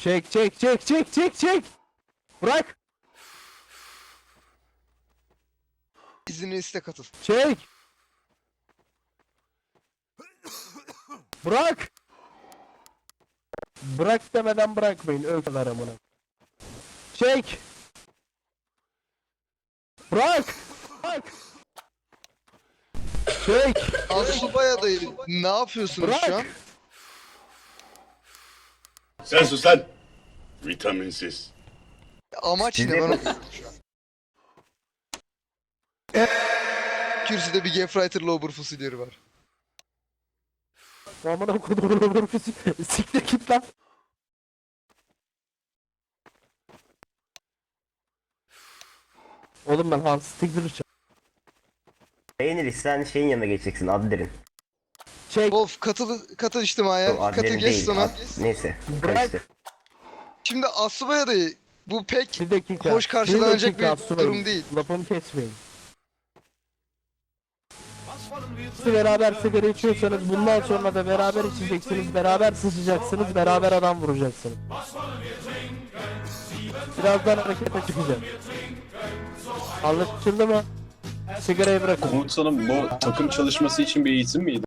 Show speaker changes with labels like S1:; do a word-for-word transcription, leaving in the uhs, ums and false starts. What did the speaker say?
S1: Çek çek çek çek çek çek. Bırak.
S2: İzini iste katıl.
S1: Çek. Bırak. Bırak demeden bırakmayın. Ökler amına. Çek. Bırak. Bırak. Çek.
S2: Asubay adayı ne yapıyorsunuz
S1: Bırak.
S2: şu an?
S3: Sen sus lan. Vitaminsiz.
S2: Amaç ne ben okuyorum şu an. Kürsüde bir Gefreiter Lober fusilleri var.
S1: Amına kodumun siktir git lan. Oğlum ben Hans Stigler'ı çek.
S4: Beğenir sen şeyin yanına geçeceksin Adler'in.
S1: Çek.
S2: Wolf katıl katıl içtimaya.
S4: Yok,
S2: Katıl
S4: Adler'in
S2: geç
S4: değil.
S2: sonra.
S4: Ad... Neyse.
S1: Bırak.
S4: Karıştı.
S2: Şimdi Asubay adayı bu pek
S1: Bir dakika.
S2: hoş karşılanacak
S1: dakika,
S2: bir
S1: Asubay'ım.
S2: durum değil.
S1: Lafımı kesmeyin. Siz beraber sigara içiyorsanız bundan sonra da beraber içeceksiniz, beraber sıçacaksınız, beraber adam vuracaksınız. Birazdan harekete çıkacağım. Anlaşıldı mı? Sigarayı bırakın.
S5: Komutanım bu takım çalışması için bir eğitim miydi?